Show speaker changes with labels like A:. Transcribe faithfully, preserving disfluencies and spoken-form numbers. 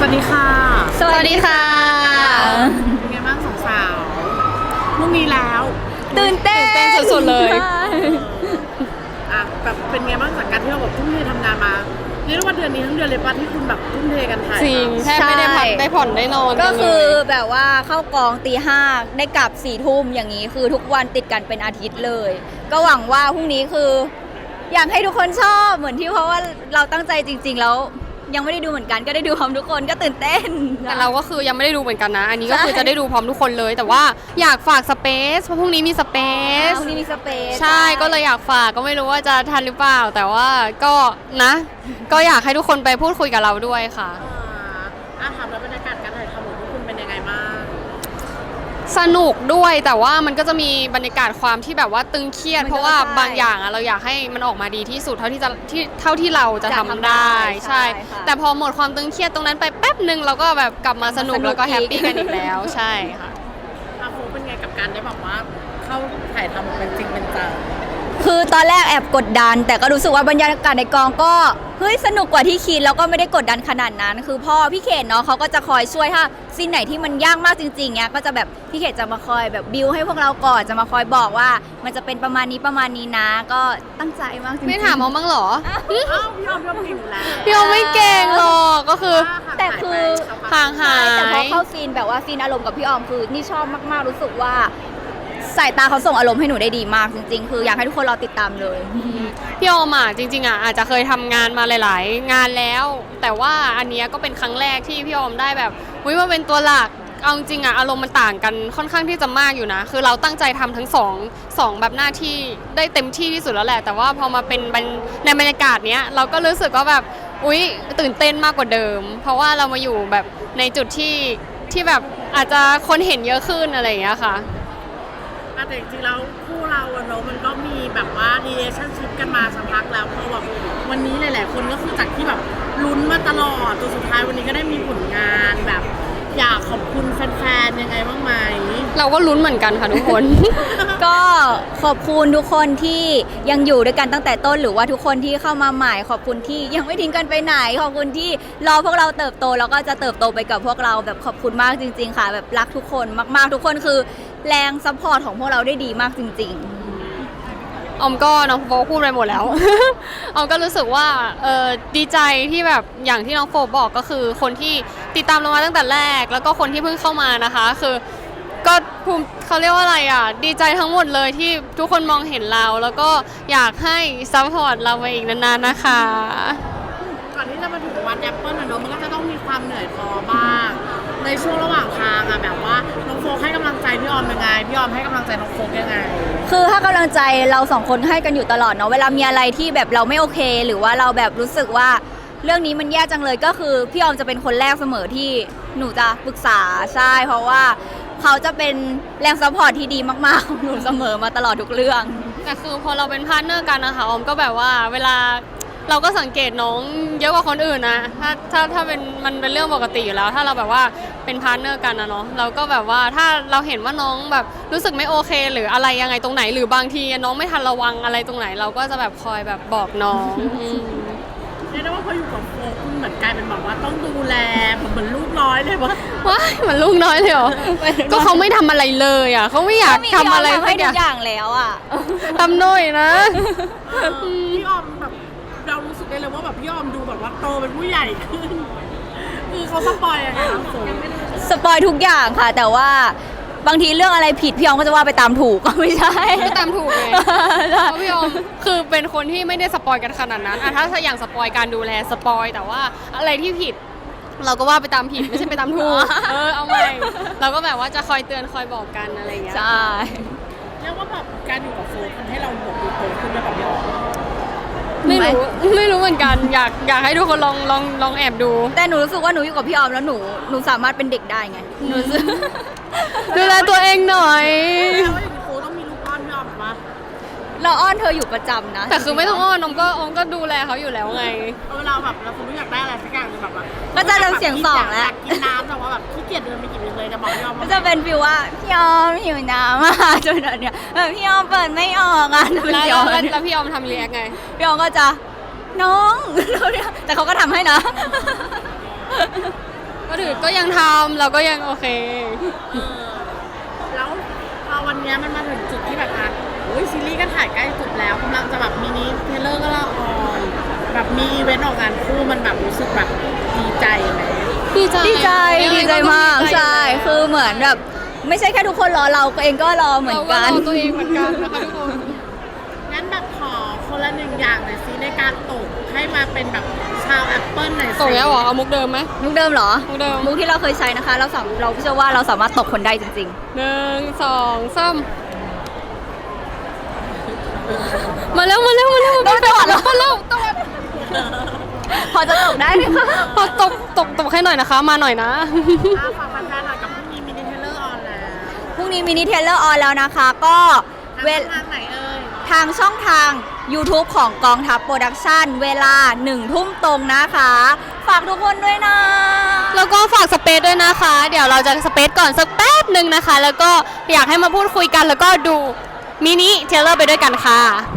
A: วัสดีค่ะ
B: สวัสดีค่ะ
A: เป็นไงบ้างสองสาวพรุ่งนี้แล้ว
B: ตื่นเต้น
C: สุดๆเลย
A: อ่ะแบบเป็นไงบ้างจากการที่เราแบบทุ่มเททำงานมาเรียกว่าเดือนนี้ทั้งเดือนเลยป่ะที่คุณแบบทุ่มเทกันถ่าย
C: จริงแทบไม่ได้พักได้ผ่อนได้นอน
B: ก็คือแบบว่าเข้ากองตีห้าได้กลับสี่ทุ่มอย่างนี้คือทุกวันติดกันเป็นอาทิตย์เลย ก็หวังว่าพรุ่งนี้คืออยากให้ทุกคนชอบเหมือนที่เพราะว่าเราตั้งใจจริงๆแล้วยังไม่ได้ดูเหมือนกันก็ได้ดูพร้อมทุกคนก็ตื่นเต้น
C: แต่เราก็คือยังไม่ได้ดูเหมือนกันนะอันนี้ก็คือจะได้ดูพร้อมทุกคนเลยแต่ว่าอยากฝากสเปซเพราะพรุ่งนี้มีสเปซ
B: พรุ่งนี้มีสเปซ
C: ใช่ก็เลยอยากฝากก็ไม่รู้ว่าจะทันหรือเปล่าแต่ว่าก็นะก็อยากให้ทุกคนไปพูดคุยกับเราด้วยค่ะ
A: อ่าถามแล้วบรรยากาศการถ่ายทำของพวกคุณเป็นยังไงบ้าง
C: สนุกด้วยแต่ว่ามันก็จะมีบรรยากาศความที่แบบว่าตึงเครียดเพราะว่าบางอย่างอะเราอยากให้มันออกมาดีที่สุดเท่าที่จะที่เท่าที่เราจะทำได้ใช่แต่พอหมดความตึงเครียดตรงนั้นไปแป๊บหนึ่งเราก็แบบกลับมาสนุกแล้วก็แฮปปี้กันอีกแล้วใช่ค่ะ
A: อาโฟเป็นไงกับการได้แบบว่าเข้าถ่ายทำเป็นจริงเป็นจัง
B: คือตอนแรกแอบกดดันแต่ก็รู้สึกว่าบรรยากาศในกองก็เฮ้ยสนุกกว่าที่คิดแล้วก็ไม่ได้กดดันขนาดนั้นคือพ่อพี่เขตเนาะเขาก็จะคอยช่วยถ้าซีนไหนที่มันยากมากจริงๆเนี้ยก็จะแบบพี่เขตจะมาคอยแบบบิวให้พวกเราก่อนจะมาคอยบอกว่ามันจะเป็นประมาณนี้ประมาณนี้นะก็ตั้งใจมากจริงๆ
C: ไม่ถามเอาบ้างเหรอ
A: พี่ออมพี่ออมพี่ออมเก่งอยู่แล้ว
C: พี่ออมไม่เก่งหรอกก็คือ
B: แต่คือ
C: ห่างหาย
B: แต่พอเข้าซีนแบบว่าซีนอารมณ์กับพี่ออมคือนี่ชอบมากๆรู้สึกว่าสายตาเขาส่งอารมณ์ให้หนูได้ดีมากจริงๆคืออยากให้ทุกคนรอติดตามเลย
C: พี่ออมอ่ะจริงๆอ่ะอาจจะเคยทำงานมาหลายๆงานแล้วแต่ว่าอันนี้ก็เป็นครั้งแรกที่พี่ออมได้แบบวิมาเป็นตัวหลักเอาจริงอ่ะอารมณ์มันต่างกันค่อนข้างที่จะมากอยู่นะคือเราตั้งใจทำทั้งสองสองแบบหน้าที่ได้เต็มที่ที่สุดแล้วแหละแต่ว่าพอมาเป็นในบรรยากาศเนี้ยเราก็รู้สึกว่าแบบอุ๊ยตื่นเต้นมากกว่าเดิมเพราะว่าเรามาอยู่แบบในจุดที่ที่แบบอาจจะคนเห็นเยอะขึ้นอะไรอย่างเงี้ยค่ะ
A: แต่จริงๆแล้วคู่เราอะเนาะมันก็มีแบบว่า relationship กันมาสักพักแล้วพอแบบวันนี้หลายๆคนก็คือจากที่แบบลุ้นมาตลอดจนสุดท้ายวันนี้ก็ได้มีผลงานแบบอยากขอบคุณแฟนๆยังไงบ้างไหม
C: เราก็ลุ้นเหมือนกันค่ะทุกคน
B: ก็ขอบคุณทุกคนที่ยังอยู่ด้วยกันตั้งแต่ต้นหรือว่าทุกคนที่เข้ามาใหม่ขอบคุณที่ยังไม่ทิ้งกันไปไหนขอบคุณที่รอพวกเราเติบโตแล้วก็จะเติบโตไปกับพวกเราแบบขอบคุณมากจริงๆค่ะแบบรักทุกคนมากๆทุกคนคือแรงซัพพอร์ตของพวกเราได้ดีมากจริงๆ
C: ออมก็น้องโฟพูดไปหมดแล้ว ออมก็รู้สึกว่าเออดีใจที่แบบอย่างที่น้องโฟบอกก็คือคนที่ติดตามเรามาตั้งแต่แรกแล้วก็คนที่เพิ่งเข้ามานะคะคือก็ภูมิเขาเรียกว่าอะไรอ่ะดีใจทั้งหมดเลยที่ทุกคนมองเห็นเราแล้วก็อยากให้ซัพพอร์ตเราไปอีกนานๆนะคะ
A: ก่อนที่จะมาถึงวันแอปเปิลนะเนาะมันก็จะต้องมีความเหนื่อยพอบ้างในช่วงระหว่างทางอะแบบว่าน้องโฟให้กำลังใจพี่ออมยังไงพี่ออมให้กำลังใจน้องโฟยังไง
B: คือให้กำลังใจเราสองคนให้กันอยู่ตลอดเนาะเวลามีอะไรที่แบบเราไม่โอเคหรือว่าเราแบบรู้สึกว่าเรื่องนี้มันแย่จังเลยก็คือพี่ออมจะเป็นคนแรกเสมอที่หนูจะปรึกษาใช่เพราะว่าเขาจะเป็นแรงซัพพอร์ตที่ดีมากๆของหนูเสมอมาตลอดทุกเรื่อง
C: แต่คือพอเราเป็นพาร์ทเนอร์กันนะคะออมก็แบบว่าเวลาเราก็สังเกตน้องเยอะกว่าคนอื่นนะถ้าถ้าถ้าเป็นมันเป็นเรื่องปกติอยู่แล้วถ้าเราแบบว่าเป็นพาร์ทเนอร์กันนะเนาะเราก็แบบว่าถ้าเราเห็นว่าน้องแบบรู้สึกไม่โอเคหรืออะไรยังไงตรงไหนหรือบางทีน้องไม่ทันระวังอะไรตรงไหนเราก็จะแบบคอยแบบบอกน้อง
A: เรียกได้ว่าพออยู่กับโฟคุณเหมือนกลายเป็นแบบว่าต้องดูแลเหมือนลูกน้อยเลยวะ
C: ว้ายเหมือนลูกน้อยเลยเหรอก็เขาไม่ทำอะไรเลยอ่ะเขาไม่อยากทำอะไร
B: ให้ทุกอย่างแล้วอ่ะ
C: ทำหน่อยนะ
A: พี่ออมแบบเรารู้สึกได้เลยว่าแบบพี่ออมดูแบบว่าโตเป็นผู้ใหญ่ขึ้นคือเขาสปอยอะไรนะ
B: สปอยทุกอย่างค่ะแต่ว่าบางทีเรื่องอะไรผิดพี่ออมก็จะว่าไปตามถูกก็ไม่ใช่
C: ไม่ตามถูกเลยเพราะพี่ออมคือเป็นคนที่ไม่ได้สปอยกันขนาดนั้นอะถ้าอย่างสปอยการดูแลสปอยแต่ว่าอะไรที่ผิดเราก็ว่าไปตามผิดไม่ใช่ไปตามถูกเออเอาใหม่เราก็แบบว่าจะคอยเตือนคอยบอกกันอะไรอย่างเงี้ย
B: ใช่
A: เรียกว่าแบบการอยู่กับโฟทำให้เราดูโตขึ้นได้แบบพี่ออม
C: ไม่รู้ไม่รู้เหมือนกันอยากอยากให้ทุกคนลองลองลองแอบดู
B: แต่หนูรู้สึกว่าหนูอยู่กับพี่ออมแล้วหนูหนูสามารถเป็นเด็กได้ไงหนู
C: ดูแลตัวเองหน่อย
A: แล้วอย่างนี้โฟต้องมีลูกอ้อนพี่ออมปะ
B: เราอ้อนเธออยู่ประจำนะ
C: แต่คือไม่ต้องอ้อนอมก็อมก็ดูแลเขาอยู่แล้วไง
A: เวลาแบบเราสมมติอยากได้อะไรสักอย่างแบบว่า
B: ก็จะเริ่มเสียงสองแล้ว
A: กินน้ำแต่ว่าแบบขี้เกียจเดินไปกินเลยจะบอกพี่ออม
B: ก็จะเป็นฟิลว่าพี่ออมหิวน้ำมากจนเนี่ยแบบพี่ออมเปิดไม่ออกอ่ะ
C: แล้วแล้วพี่ออมทำเรียกไง
B: พี่ออมก็จะน้องแต่เขาก็ทำให้นะ
C: ถือก็ยังทำเราก็ยังโอเค
A: เออแล้วพอวันเนี้ยมันมาถึงจุดที่แบบอ่ะโอ้ยซีรีส์ก็ถ่ายใกล้จบแล้วกำลังจะแบบมินิเทรลเลอร์ก็ละออนแบบมีอีเวนต์ออกงานคู่มันแบบรู้สึกแบบดีใจไหม
C: ดีใจ
B: ดีใจดีใจมาก
C: ดีใจ
B: ใช่ คือเหมือนแบบไม่ใช่แค่ทุกคนรอเราเองก็รอเหมือนกัน
C: เราก็รอตัวเองเหมือนกันนะคะทุกคน
A: งั้นแบบขอคนละหนึ่งอย่างหน่อยสิในการตกให้มาเป็นแบบชาวแอปเปิลหน่อยสิ
C: ส่งแล้วเหรอเอามุกเดิมไหม
B: มุกเดิมเหรอ
C: มุกเดิม
B: มุกที่เราเคยใช้นะคะ เราสามเราเชื่อว่าเราสามารถตกคนได้จริง
C: หนึ่งสองสามมาแล้วมาแล้วมาแล้ว
B: ต้องตรวจเหรอ
C: มาแล้วตรวจ
B: ๆ พอจะตกได้ไหมคะ
C: พอตกตกตกให้หน่อยนะคะ มาหน่อยนะ
A: อ่ะฝากแฟนๆหน่อยกับพรุ่งนี้มินิเทรลเลอร์ออนแล้ว
B: พรุ่งนี้มินิเทรลเลอร์ออนแล้วนะคะ ก็
A: ทาง
B: เวล
A: ทางไหนเอ่ย
B: ทางช่องทาง YouTube ของกองทัพโปรดักชั่นเวลาหนึ่งทุ่มตรงนะคะ ฝากทุกคนด้วยนะ
C: แล้วก็ฝากสเปซด้วยนะคะ เดี๋ยวเราจะสเปซก่อนสักแป๊บหนึ่งนะคะ แล้วก็อยากให้มาพูดคุยกันแล้วก็ดูมินิเทรลเลอร์ไปด้วยกันค่ะ